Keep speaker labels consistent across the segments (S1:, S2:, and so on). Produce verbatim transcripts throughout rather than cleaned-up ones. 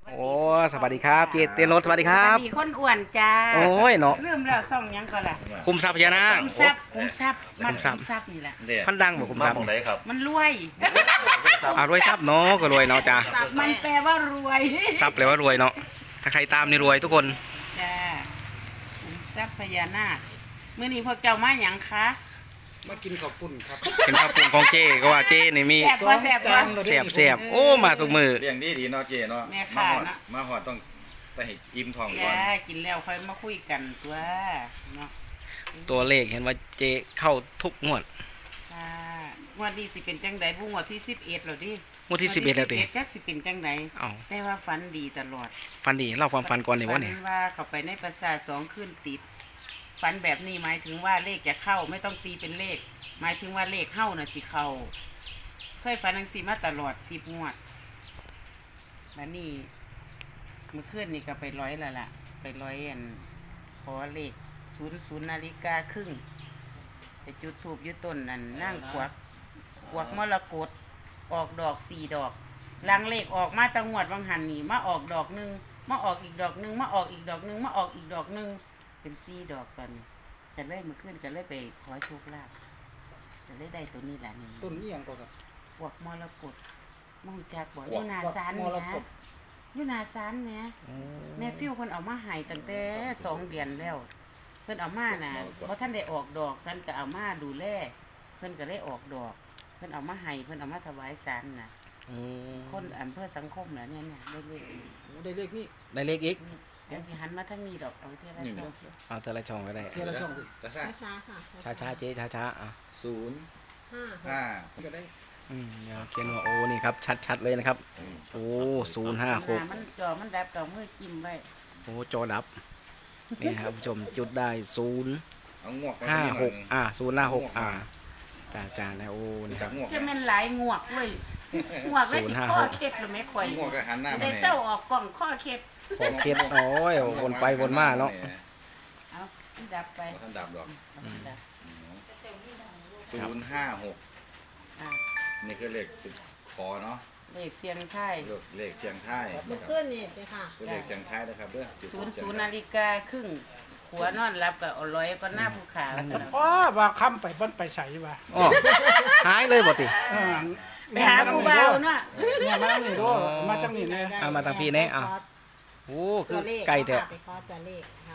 S1: โอ้สวัสดีครับเจเตียนรถสวัสดีครับ
S2: สวัสดีคนอ้วนจ้า
S1: โอ้ยเนาะ
S2: ลืมแล้วซ่องหยังก็ล่ะ
S1: คุมทรัพย์พญานาค
S2: คุมทรัพย์คุมทรัพย์มัน
S1: คุมทรัพย์
S2: คุมทรัพย์นี่แหละ
S3: เนี่ย
S1: พันดังบ่คุมทรัพย์
S3: มาของไหนครับ
S2: มันรวย
S1: อ่ารวยทรัพย์เนาะก็รวยเนาะจ้า
S2: มันแปลว่ารวย
S1: ทรัพย์แปลว่ารวยเนาะถ้าใครตามนี่รวยทุกคน
S2: จ้าคุมทรัพย์พญานาคมื้อนี้พวกเจ้ามาหยังคะ
S4: มากินข้าวปุ้นครับ
S1: เป็นข้าวปรุงของเจก็ว่าเจนี่มี
S2: แซ่บบ่แซ่บบ่
S1: เสียบเสียบโอ้มาสุกมือ
S3: เลี้ยงดีดีเนาะเจเนาะ
S2: แม่
S3: มา
S2: ค่ะ
S3: หอด
S2: เนาะ
S3: มาหอดต้องไปให้อิ่มท้องก่อน
S2: จ้ากินแล้วค่อยมาคุยกันตัวเนาะ
S1: ตัวเลขเห็นว่าเจเข้าทุกงวด
S2: จ้างวดนี้สิเป็นจังได๋บ่งวดที่สิบเอ็ดแล้วดิ
S1: งวดที่สิบเอ็ดแล้วติ
S2: จักสิเป็นจังได
S1: เอ้า
S2: แต่ว่าฝันดีตลอด
S1: ฟันดีเล่าความฟันก่อนนี่วะเนี่ย
S2: ฝันว่าเขาไปในปราสาทสองคืนติดฝันแบบนี้หมายถึงว่าเลขจะเข้าไม่ต้องตีเป็นเลข หมายถึงว่าเลขเข้าน่ะสิเข้าเคยฝันทังสีมาตลอดสิบงวดแล้วนี่เมื่อคืนนี่ก็ไปร้อยแล้วล่ะ ไปร้อยอันขอเลขศูนย์ศูนย์นาฬิกาครึ่งไปจุดทูบยุต้นนั่นนั่งกวักกวักมรกตออกดอกสี่ดอกลังเลขออกมาตังงวดวังหันนี่มาออกดอกหนึ่งมาออกอีกดอกหนึ่งมาออกอีกดอกหนึ่งมาออกอีกดอกหนึ่งเป็นสี่ดอกกันแต่เลยเมื่อคืนก็เลยไปขอโชคลาภก็เลยได้ตัวนี้แหละนี่
S4: ต้นนี้ยังก็ครับ
S2: กวักมรกตมองจากบ่อยู่นาซาน
S4: ม
S2: เนี่ย
S4: ร
S2: นะ
S4: กต
S2: อยู่นาซานเนี่ยแม่ฟิวเพิ่นเอามาให้ตั้งแต่สองเดือนแล้ว เพิ่นเอามาน่ะเพราะท่านได้ออกดอกฉันก็เอามาดูแลเพิ่นก็ได้ออกดอก เพิ่นเอามาให้เพิ่นเอามาถวายศาลน่ะ
S1: อืม
S2: คนอำเภอสังคมน่ะเนี่ยเนี่ยได้เลข
S4: โอ้ได้เลขนี่
S1: ได้เลขอีก
S2: นี่เดี๋ยวสิหันมาทางนี้ดอกเอาเท่าไรช่อง
S1: เอาแต่ละช่องก็ได้
S4: เทียละช่องสิ
S3: กระซ่า
S5: ช้าๆค่ะ
S1: ช้าช้าๆเจช้าช้าๆอ่ะ
S3: ศูนย์
S5: ห้า
S3: ห้า
S4: ก็ได้
S1: อืมเดี๋ยวเขียนว่าโอ้นี่ครับชัดๆเลยนะครับ โอ้ศูนย์ห้าหก
S2: มันจอมันดับเก่ามือจิ้มไว้
S1: โอ้จอดับ นี่ครับผู้ชมจุดได้ศูนย์
S3: เอางวกไป
S1: ห้า
S3: นิด
S1: ห
S3: น่อย
S1: กอ่าศูนย์ห้าหกอ่าจ้าจ้านะโอ้นี่ค
S3: จั
S1: รั
S3: บบ งวก
S2: จะแม่นหลายงวกเว้ยงวกแล้วสิข้อเคล็ดหรือไม่ค่อย
S3: งวกก็หันหน้า
S2: สิ
S3: มา
S2: ได้
S3: ให้
S2: เจ้าออกกล่องข้อเคล็ด
S1: ขอเคล็ดโอ้ยวนไปวนมาเนาะ
S2: เอาดับไป
S3: บ่ท่านดับดอก
S2: เอาดับ
S3: ศูนย์ห้าหก
S2: อ่ะ
S3: นี่คือเลขสิบคอเนาะ
S2: เลขเสียงไทาย
S3: เลขเสียงไทาย
S5: เมื่อ
S3: นะค
S5: คื
S3: รับ
S5: นนี่เลยค่ะ
S3: คือเลขเสียงไทายนะครับเด้อจุด
S2: ศูนย์
S3: เสียง
S2: ศูนย์
S3: ไท
S2: นาฬิกาครึ่งหัวนอนรับกับอร่อยก็หน้าภูเขา
S4: อ๋อว่าค้ำไปบ้านไปใส่ว่า
S1: อ๋อหายเลยบ่ติ
S4: เออ
S2: ไปหาผู้บ่าวเนาะ
S4: เนี่ยมานี่ดูมาจังนี่เนี่ย
S1: เอามาทางพี่เนี่ยเอาโอ้คือไก่แท้
S5: ไปขอตัวเลขนะคะ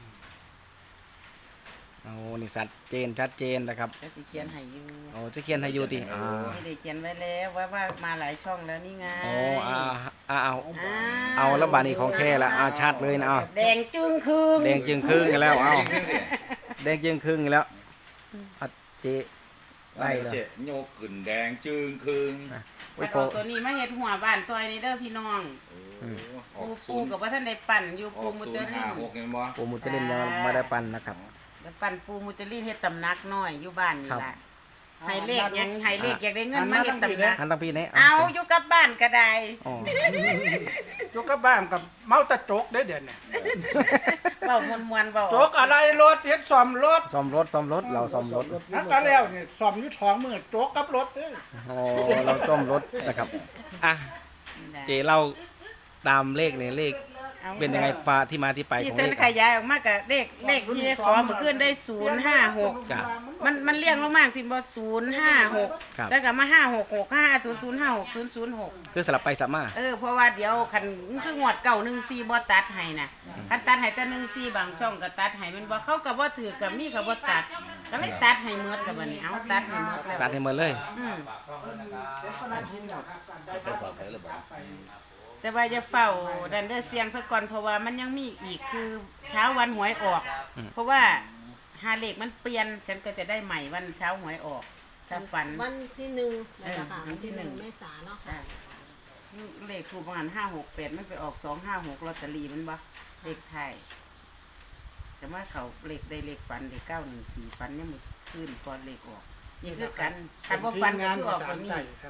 S1: โอ้นี่ชัดเจนชัดเจนนะครับ
S2: ก็สิเขียนให้อยู่
S1: โอ้จะเขียนให้อยู่ติอ่า
S2: ไม่ได้เขียนไว้แล้วว่าว่ามาหลายช่องแล้วนี่ไง
S1: โอ้อ่าอ่าเอา
S2: อ้
S1: เอาแล้วบาดนี้ของแท้ละอ่าชัดเลยนะเอา
S2: แดงจึงคืง
S1: แดงจึงครึ่งกันแล้วเอาแดงจึงครึ่งกันแล้วอ่ะเจ
S3: ได้
S1: ได้
S3: เล
S1: เลย
S3: ยโยกขึ้นแดงจึงคืง
S1: โอ้
S2: มั
S1: ย
S2: น
S1: พ
S2: อ
S1: อ
S2: อกตัวนี้มาเฮ็ดหัวบ้านซอยนี่เด้อพี่น้อง
S3: โอ้อ
S2: ปู
S3: อก
S2: ปู
S3: ศูนย์
S2: กับว่าท่านได้ปั่นอยู่
S3: อ
S2: ปู
S3: อก
S2: มุ
S3: ศู
S2: จ
S3: นย์
S2: ลิ
S3: ห้าน หกเห็นบ่
S1: โอ้มุจลินยังไม่ได้ปันนะครับ
S2: แล้วปั่นปูมุจลินเฮ็ดตำนักน้อยอยู่บ้านนี่
S1: ครับ
S2: ล่ะให้เลขยังให้เลขอยากได้เงินมาเฮ็ดตำนัก
S1: หันทางพี่เนี่ย
S2: เอาอยู่กับบ้านก็ได้
S1: อ๋อ
S4: อยู่กับบ้านกับเมาตะโจกได้เดี๋ยวนี้
S2: เว้ามวนๆเว้า
S4: โจกอะไรรถเฮ็ดซ่อมรถ
S1: ซ่อมรถซ่อมรถเราซ่อมรถ
S4: นักก็แล้วนี่ซ่อมอยู่ท้องมือโจกกับรถเด้อ
S1: โอ้เราซ่อมรถนะครับอ่ะเจเล่าตามเลขเนี่ยเลข
S2: อา
S1: เป็นยังไงฟ้าที่มาที่ไป
S2: ที่
S1: ของ
S2: ฉัน
S1: เลข
S2: ขยายออกมากับเลขเลขที่ขอเมื่อคืนได้ศูนย์ห้าหก
S1: จ้ะ
S2: มันมันเรียงลงมาสิบ่ศูนย์ห้าหก
S1: ครับ
S2: แล้วก็มาห้าหกหกห้าศูนย์ศูนย์ห้าหกศูนย์ศูนย์หก
S1: คือสลับไปสลับมา
S2: เออเพราะว่าเดี๋ยวคันคืองวดเก่าหนึ่งสี่บ่ตัดให้นะคันตัดให้แต่หนึ่งสี่บางช่องก็ตัดให้มันบ่เขาก็บ่ถือกับมีก็บ่ตัด ก็เลยตัดให้หมดแล้วบัดนี้เอาตัดให้หมดแล้ว
S1: ตัดให้หมดเลย
S2: อืมแต่ว่าจะเฝ้าดันเดอร์เสียงซะก่อนเพราะว่ามันยังมีอีกคือเช้าวันหวยออก
S1: อืม
S2: เพราะว่าหาเลขมันเปลี่ยนฉันก็จะได้ใหม่วันเช้าหวยออกถ้าฝัน
S5: วันที่หนึ่งนะคะ
S2: เออวั
S5: วัน น
S2: ที่
S5: ที่
S2: ห
S5: ห
S2: นึ่
S5: นึ่
S2: ง
S5: งเมษายนเนาะ
S2: อ่าเลขถูกประมาณห้าหกแปดมันไปออกสองห้าหกลอตเตอรี่มันบ่เลขไทยแต่ว่าเขาเลขได้เลขฝันได้เก้าหนึ่งสี่ฝันเนี่ยมันขึ้นก่อนเลขออกนี่คือกันคันว่าฝันก็คือออกตัวนี้
S4: ครับ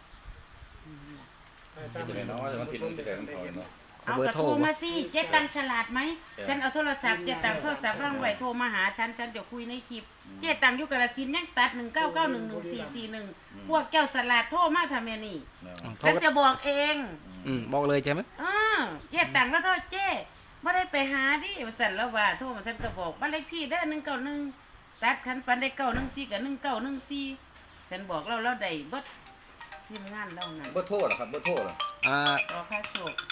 S3: เป็นยังไงเนาะแต่มันผิดมันจะเกิดมันถอยเนาะ
S2: เอากระโทรมาสิเจ๊ตังฉลาดไหมฉันเอาโทรศัพท์เจ๊ตังโทรศัพท์ร่างไว้โทรมาหาฉันฉันจะคุยในคลิปเจ๊ตังอยู่กระสินธุ์ยังตัดหนึ่งเก้าเก้าหนึ่งหนึ่งสี่สี่หนึ่งพวกเจ้าสลัดโทรมาทำไมนี่
S3: เนาะ
S1: โทร
S2: ฉันจะบอกเอง
S3: อืม
S1: อืมบอกเลยใช่ไหม
S2: เออเจ๊ตังแล้วโทษเจ๊บ่ได้ไปหาดิว่าซั่นแล้วว่าโทรมาซั่นก็บอกบ้านเลขที่เด้อหนึ่งเก้าหนึ่งตัดคันฟันได้เก้าหนึ่งสี่กับหนึ่งเก้าหนึ่งสี่ฉันบอกเราเราได้เบิดทีมงานเรานั่น
S3: เบอร์โทรเหรอครับเบอร์โทรเหรอ
S1: อ่า
S2: สอค่าโชค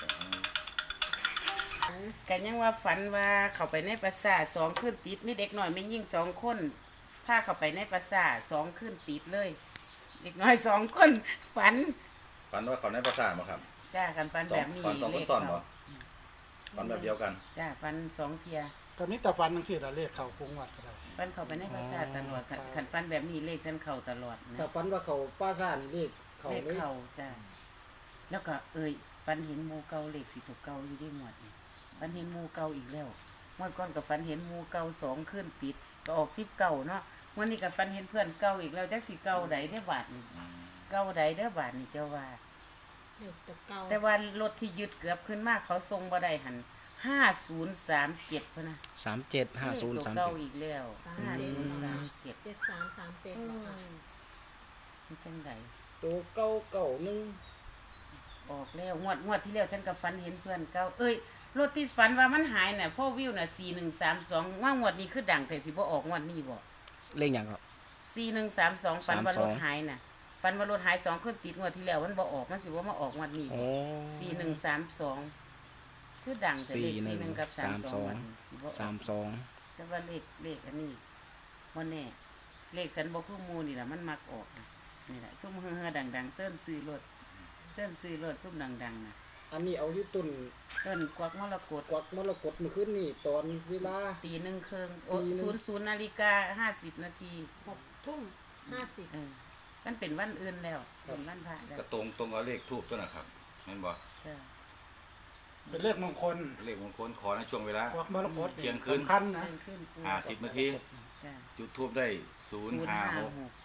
S2: กันยังว่าฝันว่าเข้าไปในปราสาทสองคืนติดมีเด็กน้อยไม่ยิ่งสองคนพาเข้าไปในปราสาทสองคืนติดเลย เด็กน้อยสองคนฝัน
S3: ฝันว่าเขาในภาษาบ่ครับ
S2: จ้ากันฝัน
S3: สอ
S2: แบ
S3: ง
S2: บนี้
S3: ฝันสองคนซ้อนบ่ฝันแบบเดียวกัน
S2: จ้าฝันสองเทีย
S4: ก็มีแต่ฟันจังซี่ล่ะเลขเข้าคงวัดก็ได้
S2: ฝันเข้าไปในปราสาทตลอดขันขันฝันแบบนี้เลขฉันเข้าตลอดนะ
S6: ถ้าฝันว่าเขาป้าซ่านเลขเขา
S2: เลข
S6: เลย
S2: เข้าจ้าแล้วก็เอ่ยฝันเห็นหมูเก่าเลขสิถูกเก่าอยู่ที่หมวดนี่ฝันเห็นหมูเก่าอีกแล้วเมื่อก่อนกับฝันเห็นหมูเก่าสองขึ้นติดก็ออกสิบเก่าเนาะวันนี้กับฝันเห็นเพื่อนเก่าอีกแล้วจักสิเก่าใดได้อบาทนี่เก่าใดได้อบาทนี่เจ้าว่า
S5: เลขตัวเก่า
S2: แต่ว่ารถที่ยึดเกือบขึ้นมากเขาทรงบ่ได้หันห้าศูนย์สามเจ็ดพะนะ
S1: สามเจ็ดห้าศูนย์
S2: ตัว
S1: สาม
S2: เก่า
S1: เจ็ด
S2: อีกแล้วห้าศูนย์สามเจ็ด
S5: เจ็ดสามสามเจ็ดเหรอคะ
S2: มันจังได
S6: ตัวเก้าเก้าหนึ่ง
S2: ออกแล้วงวดงวดที่แล้วฉันกับฝันเห็นเพื่อนเก่าเอ้ยรถที่ฝันว่ามันหายน่ะพ่อวิวน่ะสี่หนึ่งสามสองว่างวดนี้คือดังแต่สิบ่ออกงวดนี้บ่
S1: เลขอย่างครับ
S2: สี่หนึ่งสามสองฝันว่ารถ
S1: สามสอง
S2: หายน่ะฝันว่ารถหายสองขึ้นติดงวดที่แล้วมันบ่ออกมันสิว่ามาออกงวดนี้
S1: โอ้
S2: สี่หนึ่งสามสองคือดังแต่เลขสี่หนึ่งกับสามสองสิบ่ออก
S1: สามสอง
S2: แต่ว่าเลขเลขอันนี้บ่แน่เลขสันบ่คือหมู่นี่ล่ะมันมักออกนะนี่แหละซุ่มเฮือๆดังๆเซิ้นซื้อรถเซิ้นซื้อรถซุ่มดังๆน่ะ
S6: อันนี้เอาอยู่ต้น
S2: เอิ้นกวักมรกต
S6: กวักมรกตเมื่อคืนนี่ตอนเวลา
S2: ตีหนึ่งครึ่งโอ้
S6: ตีหนึ่
S2: ศู
S6: ง
S2: นย์ศูนย์นาฬิกาห้าสิบนาที
S5: หกทุ่มห้าสิบ
S2: เออมันเป็นวันอื่นแล้วเป็นวันพระแล้ว
S3: ก็ตรงตรงกับเลขทูบตัวนะครับแม่นบ่
S2: จ้ะ
S4: เป็นเลขมงคล
S3: เลขมงคลขอในช่วงเวลา
S4: พวกมรกต
S3: เที่ยงคืน
S4: สำคัญนะ
S2: เที่ยงคืนกู
S3: ห้าสิบนาที
S2: จ้ะ
S3: จุดทูบได้ศูนย์ห้าหก
S2: หก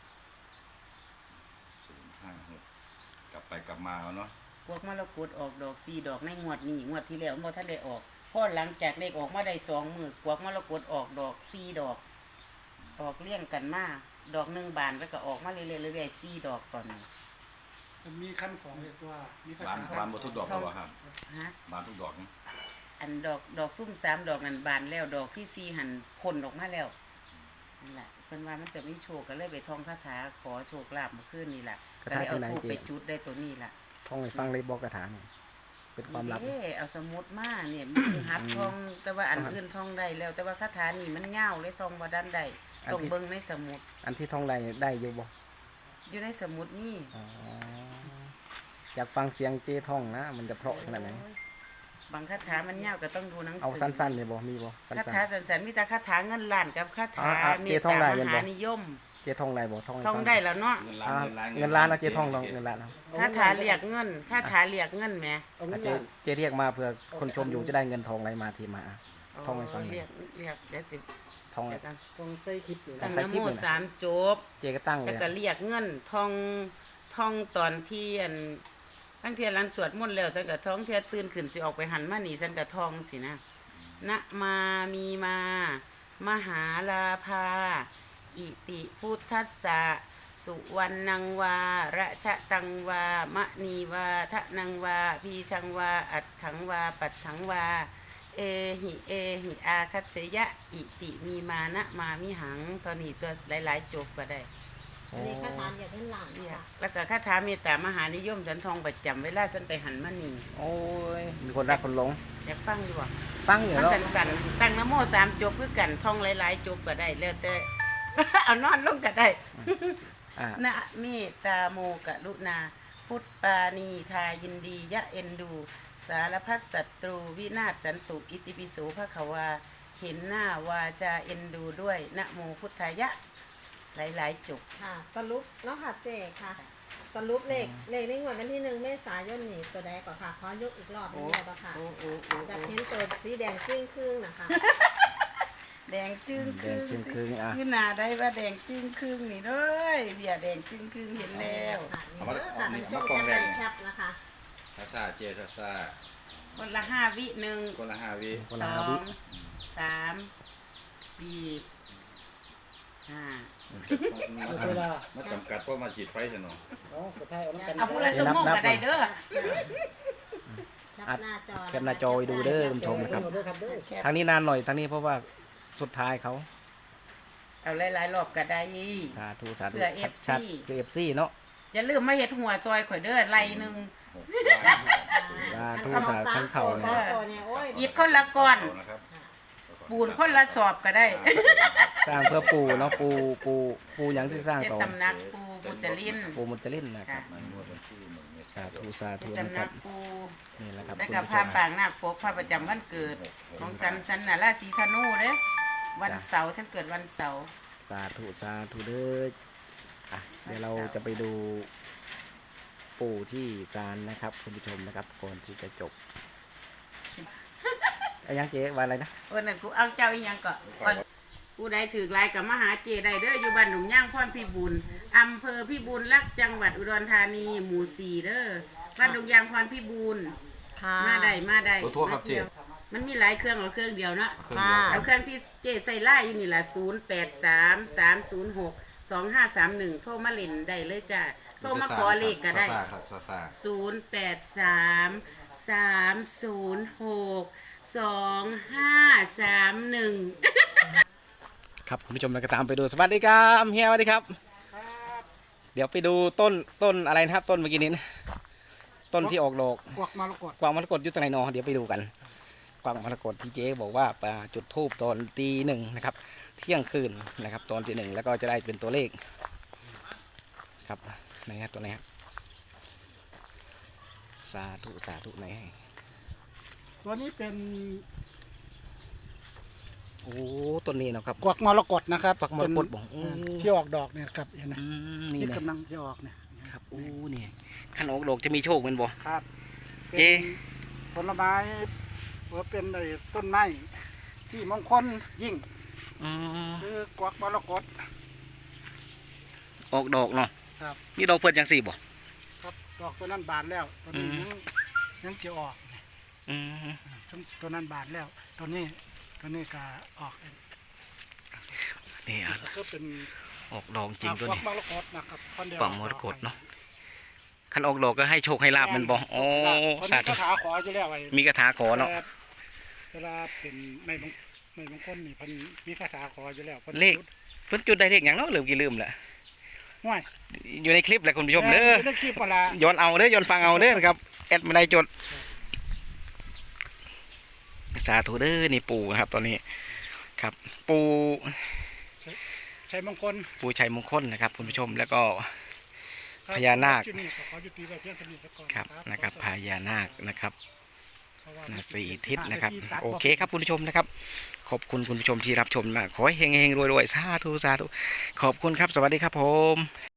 S3: ศูนย์ห้าหกกลับไปกลับมาเอาเนาะ
S2: พวกมรกตออกดอกสี่ดอกในงวดนี้งวดที่แล้วบ่ทันได้ออกพอหลังจากเลขออกมาได้สองมื้อพวกมรกตออกดอกสี่ดอก ออกเลี้ยงกันมาดอกหนึ่งบานแล้วก็ออกมาเรื่อยๆเรื่อยๆสี่ดอกก่อนนี่
S4: มันมีขั้นของเรียกว่ามีขั้น
S3: บาน
S4: ของ
S3: บานบ่ทุกดอกแล้วบ่ครับ
S2: ฮะ
S3: บานทุกดอกนี่
S2: อันดอกดอกซุ่มสามดอกนั่นบานแล้วดอกที่สี่หันพ่นออกมาแล้วนั่นแหละเพิ่นว่ามันจะมีโชคก็เลยไปท่องคาถาขอโชคลาภเมื่อคืนนี่แหละก็เลยเอาทูบไปจุดได้ตัวนี้ล่ะ
S1: ท่องให้ฟังเลยบอกกระถาหน่อยเป็นความลับ
S2: เอ้เอาสมุดมาเนี่ยมีหัดท่อง แต่ว่าอันอื่นท่องได้แล้ว แต่ว่าคาถานี่มันยาวเลยท่องบ่ดันได้ต้องเบิ่งในสมุด
S1: อันที่ท่องได้ได้อยู่บ่
S2: อยู่ในสมุดนี่
S1: อ๋ออยากฟังเสียงเจ้ท่องนะ มันจะเพราะขนาดไหน
S2: บางคาถามันยาวก็ต้องดูหนังสื
S1: เอาสั้นๆเลยบ่มีบ่สั้
S2: คาน ถาสันๆมีแต่คาถาเงินล้านกับคาถา
S1: อ่าอ่า
S2: เม
S1: เจ๊
S2: ต
S1: ท่องได้
S2: ตา
S1: เงิ
S2: ม
S1: นบ่
S2: หานิยม
S1: ๆเจ้ท่องได้บ่ท่องให้
S2: ท่อง
S1: ฟัง
S2: ได้แล้วเนาะ
S3: เงิน
S1: อ่า
S3: ล้าน
S1: เงินล้านเอาเจ้ท่องลองเงินล้านเอา
S2: คาถาเรียกเงินคาถาเรียกเงินแหม
S6: เอา
S1: อ่ะ
S6: เงิน
S1: เจ้
S6: ล้าน
S1: เจ้เรียกมาเพื่อคนชมอยู่จะได้เงินทองไหลมาทีมาอ่ะ ท่องให้ฟังหน่อย
S2: เรียกเรียกเดี๋ยวสิ
S1: ท่อง
S2: เดี๋ยวกัน
S6: ต้องใส่คลิปเลย
S2: ตั้ง
S1: ใส่
S2: นะ
S1: คลิ
S2: โม
S1: ปเลยนะ
S2: สามจบ
S1: เจ้ก็ตั้งเล
S2: แล้ว
S1: ย
S2: ก็
S1: อะ
S2: เรียกเงินท่องท่องตอนที่อันตั้งเทียหลังสวดมนต์แล้วฉันก็ท่องเทียตื่นขึ้นสิออกไปหันมานี่ฉันก็ท่องสินะนะมามีมา มหาลาภา อิติพุทธัสสะสุวรรณังวาระชะตังวามะนีวาทะนังวาพีชังวาอัดถังวาปัดถังวา เอหิเอหิอาคัจฉยะ อิติมีมานะมามิหังตอนนี้ตัวหลายๆจบก็ได้
S5: อันนี้คาถาเหยียดเงินล้าน
S2: เนี่ย
S5: ค่ะ
S2: แล้วก็คาถาเมตตามหานิยมฉันทองประจำเวลาฉันไปหันมานี่
S1: โอ้ยมีคนรักคนหลง
S2: อยากฟังดีกว่า
S1: ฟังอยู่
S2: มัน
S1: เนาะ
S2: สั่นๆตั้งนะโมสามจบคือกันท่องหลายๆจบก็ได้แล้วแต่ เอานอนลงก็ได้
S1: อ่า
S2: นะเมตตาโมกรุณา พุทธปานีทายินดียะเอ็นดู สารพัดศัตรูวินาศสันตุอิติปิโสภควา เห็นหน้าวาจาเอ็นดูด้วยนะโมพุทธายะ หลายๆจบ
S5: ค่ะ สรุปเนาะค่ะเจ๊ค่ะ สรุปเลขเลขในงวดวันที่หนึ่งเมษายนนี่ตัวใดก่อนค่ะขอยกอีกรอบหนึงได้ปะค่ะ
S2: โอ้โอ้โอ้
S5: อยากเห็นตัวสีแดงครึ่งครึ่งๆนะคะ
S2: แดงจึ้ง
S1: แด
S2: ครึ่
S1: ง
S2: ง
S1: จึงคืนอ่ะ
S2: ขึ้นหน้าได้ว่าแดงจึ้งครึ่งนี่เด้ยเบียร์แดงจึ้งครึ่งเห็นแล้ว
S5: ค่ะนี่เด้อค่ะท่านผู้ชมแคปไปแคปนะคะ
S3: ทัศาเจทัศา
S2: คนละห้าวิหนึ่ง
S3: คนละห้าวิ
S1: คน
S2: ส
S1: ละ
S2: อ
S1: ห้าวิ
S2: งสามสี่ห้า
S6: เวลา
S3: มาจำกัดเพราะมาฉีดไฟซะเนาะ
S6: เอากระทายเอาน้ำกัน
S2: เอาผู้ละสมองก็ได้เด้อ
S5: แคปหน้าจอ
S1: แคปหน้าจอไว้ดูเด้อคุณผู้ชมนะครับ
S6: เอาเด้อครับเด้อ
S1: ทางนี้นานหน่อยทางนี้เพราะว่าสุดท้ายเขา
S2: เอาหลายๆรอบก็ได้
S1: สาธุสาธุ
S2: เพื่อ เอฟซี
S1: ชัดๆคือเอฟซีเนาะ
S2: อย่าลืมมาเฮ็ดหัวซอยข่อยเด้อไล่หนึง
S3: หกล้าน
S1: สาธุ
S5: เอา
S1: สา
S5: สา
S1: ธุ
S5: ม
S1: เข่า
S5: ตัว
S1: เลย
S5: สามตัวเนี่ยโอ้ย
S2: หยิบคนละก้อน
S3: เอานะครับ
S2: ปูนคนละสอบก็ได้
S1: สร้างเพื่อปูเนาะปูปูปูหยังที่สร้าง
S2: เฮ็ด
S1: ต่อ
S2: ตำหนักปูปูจริน
S1: ปูมุจลินนะครับ
S3: ในงวดวันที่หนึ่งเม
S1: สา
S3: ษายน
S1: ธุสาธุ
S2: เฮ็ด
S1: นะ
S2: ตำห
S1: ค
S2: นั
S1: รับ
S2: กปู
S1: นี่แหละครับ
S2: แล้ว
S1: คุณ
S2: ก็
S1: ผู้ช
S2: ผ้าม ปางนาคปกผ้าประจำวันเกิดของฉันฉันน่ะราศีธนูเด้อวันเสาร์ฉันเกิดวันเสาร์
S1: สาธุสาธุเด้ออ่ะเดี๋ยวเราจะไปดูปู่ที่ศาลนะครับคุณผู้ชมนะครับก่อนที่จะจบอะยังเจ๊ว่าอะไรนะ
S2: เออนั่นกูเอาเจ้าอีหยังก็ก่อนกูได้ถือลายกับมหาเจได้เด้ออยู่บ้านหนุ่มย่างพรพิบูลอำเภอพิบูลรักษ์จังหวัดอุดรธานีหมู่สี่เด้อบ้านหนุ่มย่างพรพิบูล
S5: ค่ะ
S2: มาได้มาได้
S3: ขอโทษครับเจ๊
S2: มันมีหลายเครื่องเอาเครื่องเดียวเนาะ
S3: เครื่องเดียว
S2: เอาเครื่องที่เจใส่ไล่อยู่นี่ล่ะศูนย์แปดสามสามศูนย์หกสองห้าสามหนึ่งโทรมาเล่นได้เลยจ้ะโทรมาขอเลขก็ได้
S3: ซาๆครับซาซา
S2: ศูนย์แปดสามสามศูนย์หกสองห้าสามหนึ่ง
S1: ครับคุณผู้ชมเราก็ตามไปดูสวัสดีครับเฮียสวัสดีครับ เดี๋ยวไปดูต้นต้นอะไรนะครับ ต้นเมื่อกี้นี้นะต้นที่ออกดอก
S4: กวักมรกต
S1: กวางมรกตอยู่ตรงไหนเนอเดี๋ยวไปดูกันกวางมรกตที่เจ๊บอกว่าปาจุดทูบตอนตีหนึ่งนะครับ เที่ยงคืนนะครับ ตอนตีหนึ่งแล้วก็จะได้เป็นตัวเลขครับไหนฮะตัวไหนฮะสาธุสาธุไหน
S4: ตัวนี้เป็น
S1: โอ้ต้นนี้เนาะครับ
S4: กวักมรกตนะครับ
S1: กวักมรกตบอก
S4: เป็น
S1: อืม
S4: ที่ออกดอกเนี่ยครับเห็นไหม
S1: อืมนี่
S4: นี่
S1: นะ
S4: กำลังจะออกเนี่ย
S1: ครับโอ้เนี่ยขันออกดอกจะมีโชคเป็นบ่
S4: ครับ
S1: เจ๊
S4: เป็นผลไม้หรือเป็นไอ้ต้นไม้ที่มงคลยิ่ง
S1: อืม
S4: คือกวักมรกต
S1: ออกดอกเนาะ
S4: ครับ
S1: นี่ดอกเพิ่นจังสี่บ่
S4: ครับดอกตัวนั้นบานแล้วตัวนี้
S1: อืม
S4: ยังยังจะออก
S1: อืม
S4: ตัวนั้นบานแล้วตัวนี้ตัวนี้ก็ออก
S1: นี่อ่ะ
S4: แล้วก็เป็น
S1: ออกดอกจริงตัว
S4: กวัก
S1: นี้
S4: มรกตนะครับคนเดียว
S1: กวักมรกตเนาะ ขันออกดอกก็ให้โชคให้ลาบมันบ่โอ้
S4: สา
S1: สา
S4: ธุ
S1: ธุ
S4: คาถาขออยู่แล้วไอ้
S1: มีคาถาขอเนาะ
S4: แต่เวลาเป็นไม่บางไม่บางคนนี่เพิ่นมีคาถาขออยู่แล้วพิ่น
S1: เลข เพิ่นจุดได้เลขหยังเนาะลืมกี่ลืมละ
S4: ห้วย
S1: อยู่ในคลิปแหละคุณผู้ชมเด้อ
S4: ได้คลิปเวลา
S1: ย้อนเอาเด้อย้อนฟังเอาเด้อนะครับแอดไม่ได้จดสาธุเด้อนี่ปู่นะครับ ตอนนี้ครับ ปู่
S4: ชัยมงคล
S1: ปู่ชัยมงคลนะครับ คุณผู้ชมแล้วก็ พญานาค
S4: จุดนี้ก็ขอยุติไว้เพียงเท่านี้ก่อน
S1: ครับนะครับพญานาคนะครับ
S4: เพราะว่า
S1: นะสี่ทิศนะครับ
S4: ที่ตัด
S1: โอเคครับคุณผู้ชมนะครับ ขอบคุณคุณผู้ชมที่รับชมมากขอให้เฮงๆรวยๆสาธุสาธุขอบคุณครับ สวัสดีครับผม